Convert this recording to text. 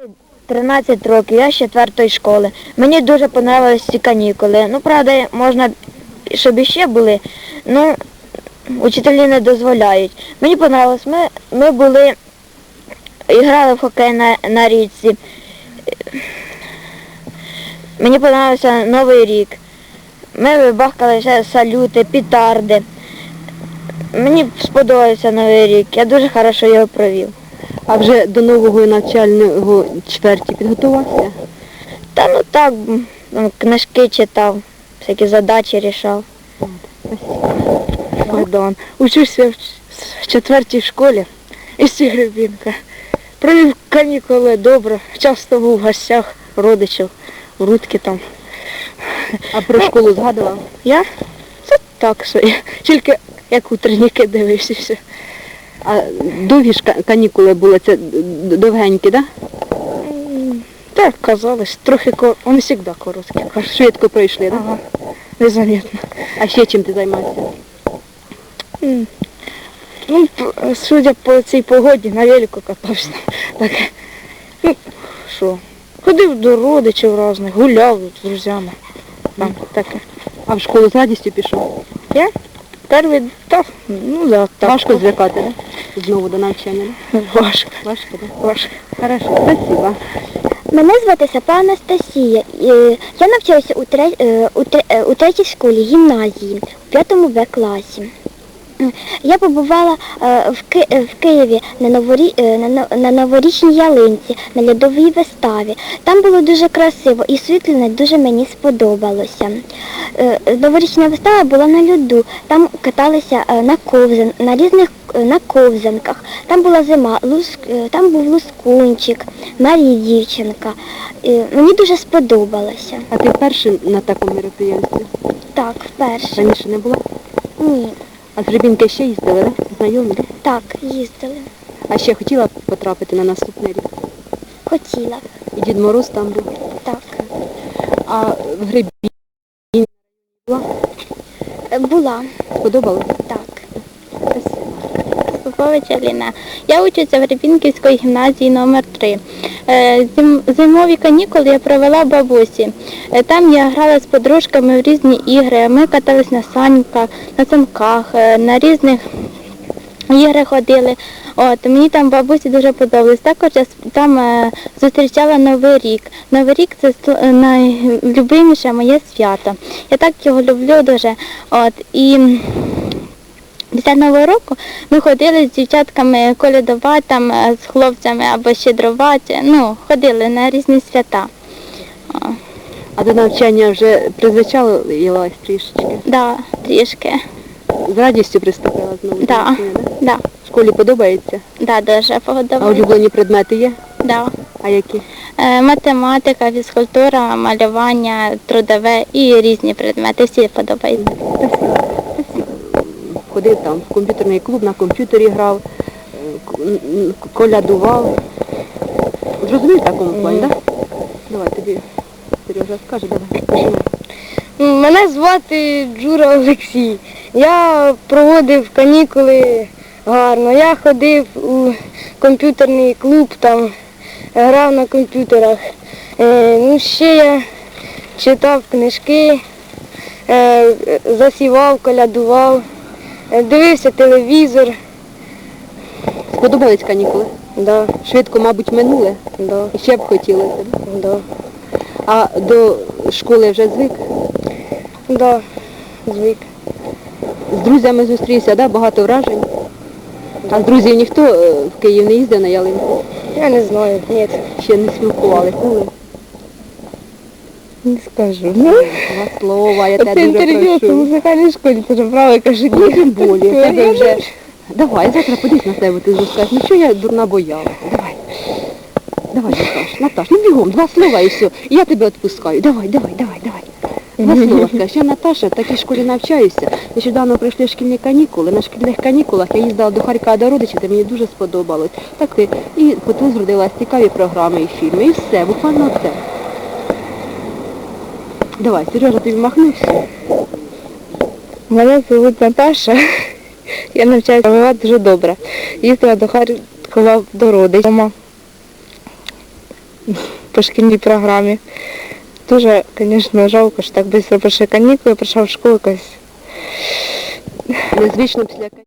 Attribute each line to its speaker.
Speaker 1: 13 років, я з 4-ї школи. Мені дуже подобалися ці канікули. Ну, правда, можна, щоб іще були, ну, учителі не дозволяють. Мені подобалось, ми були, грали в хокей на річці. Мені подобався Новий рік. Ми бахкали ще салюти, петарди. Мені сподобався Новий рік, я дуже добре його провів.
Speaker 2: А вже до нового навчального чверті підготувався?
Speaker 1: Та ну так, книжки читав, всякі задачі рішав.
Speaker 3: Богдан. Учуся в 4-й школі із Гребінка. Провів канікули добре, часто був в гостях родичів, в Рудки там.
Speaker 2: А про школу згадував?
Speaker 3: Я? Це так собі. Тільки як утренніки дивився все.
Speaker 2: А довгі ж канікули були, це довгенькі, так?
Speaker 3: Так, казалось, трохи вони завжди короткі.
Speaker 2: Швидко пройшли, так?
Speaker 3: Ага, незамітно.
Speaker 2: А ще чим ти займався?
Speaker 3: Ну, судя по цій погоді, на велику катався. Так, ну, що, ходив до родичів різних, гуляв з друзями. Там таке.
Speaker 2: А в школу з радістю пішов?
Speaker 3: Я? Перший, так, ну да, так.
Speaker 2: Важко звикати, так? Знову до навчання, так?
Speaker 3: Важко.
Speaker 2: Важко, так?
Speaker 3: Важко.
Speaker 2: Хорошо, спасибо.
Speaker 4: Мене звати Сапа Анастасія. Я навчалася у третій школі гімназії, у 5 Б класі. Я побувала в Києві на новорічній ялинці, на льодовій виставі. Там було дуже красиво і світло дуже мені сподобалося. Новорічна вистава була на льоду, там каталися на ковзанках. Там була зима, там був Лускунчик, Марія дівчинка. Мені дуже сподобалося.
Speaker 2: А ти перший на такому мероприємстві?
Speaker 4: Так, вперше.
Speaker 2: Раніше не була?
Speaker 4: Ні.
Speaker 2: А з Гребінки ще їздили, так? Знайомі, так?
Speaker 4: Так, їздили.
Speaker 2: А ще хотіла потрапити на наступний рік?
Speaker 4: Хотіла.
Speaker 2: І Дід Мороз там був?
Speaker 4: Так.
Speaker 2: А в Гребінці була?
Speaker 4: Була.
Speaker 2: Сподобалось?
Speaker 4: Так.
Speaker 5: Попович Аліна. Я учуся в Гребінківської гімназії номер 3. Зимові канікули я провела в бабусі. Там я грала з подружками в різні ігри. Ми катались на санках, на різних ігри ходили. Мені там бабусі дуже подобалось. Також я там зустрічала Новий рік. Новий рік – це найлюбиміше моє свято. Я так його люблю дуже. І після Нового року ми ходили з дівчатками колядувати, там, з хлопцями або щедрувати, ходили на різні свята.
Speaker 2: А до навчання вже призвичалилась трішечки?
Speaker 5: Да, трішки.
Speaker 2: З радістю приступила знову до навчання, так?
Speaker 5: Да.
Speaker 2: В школі подобається?
Speaker 5: Да, дуже
Speaker 2: А
Speaker 5: подобається.
Speaker 2: улюблені предмети є?
Speaker 5: Да.
Speaker 2: А які?
Speaker 5: Математика, фізкультура, малювання, трудове і різні предмети. Всі подобаються.
Speaker 2: Ходив там в комп'ютерний клуб, на комп'ютері грав, колядував. Зрозумів в такому плані, так? Давай, тобі Сережа скаже, давай.
Speaker 3: Мене звати Джура Олексій. Я проводив канікули гарно. Я ходив у комп'ютерний клуб, там грав на комп'ютерах. Ще я читав книжки, засівав, колядував, дивився телевізор.
Speaker 2: Сподобались канікули?
Speaker 3: Да,
Speaker 2: Швидко, мабуть, минули?
Speaker 3: да,
Speaker 2: І ще б хотілося, так?
Speaker 3: да,
Speaker 2: А до школи вже звик?
Speaker 3: да, звик.
Speaker 2: З друзями зустрівся, да? Багато вражень? А з друзів ніхто в Київ не їздив на ялинку?
Speaker 3: Я не знаю, ні,
Speaker 2: Ще не спілкувалися?
Speaker 3: не скажу.
Speaker 2: Два слова, я тебе дуже прошу.
Speaker 3: музикальній школі, ти ж правильно кажуть.
Speaker 2: Ну, тим більше, тебе вже... Давай, завтра подивись на себе, ти скажеш, ну що я дурна боялася? Давай, Наташ, ну бігом, два слова і все. І я тебе відпускаю. Давай. Два слова скажеш. Я, Наташа, в такій школі навчаюся. Нещодавно прийшли шкільні канікули. На шкільних канікулах я їздила до Харкова до родичів, де мені дуже сподобалось. Так і потім зродилась цікаві програми і фільми. І все, буквально все. Давай, Сережа, тобі махнувся.
Speaker 3: Мене звуть Наташа. Я навчаюся дуже добре. Їздила до Харкова до родичів. по шкільній програмі. Дуже, звісно, жалко, що так швидко пройшли канікули, прийшов в школу якось.
Speaker 2: Незвично після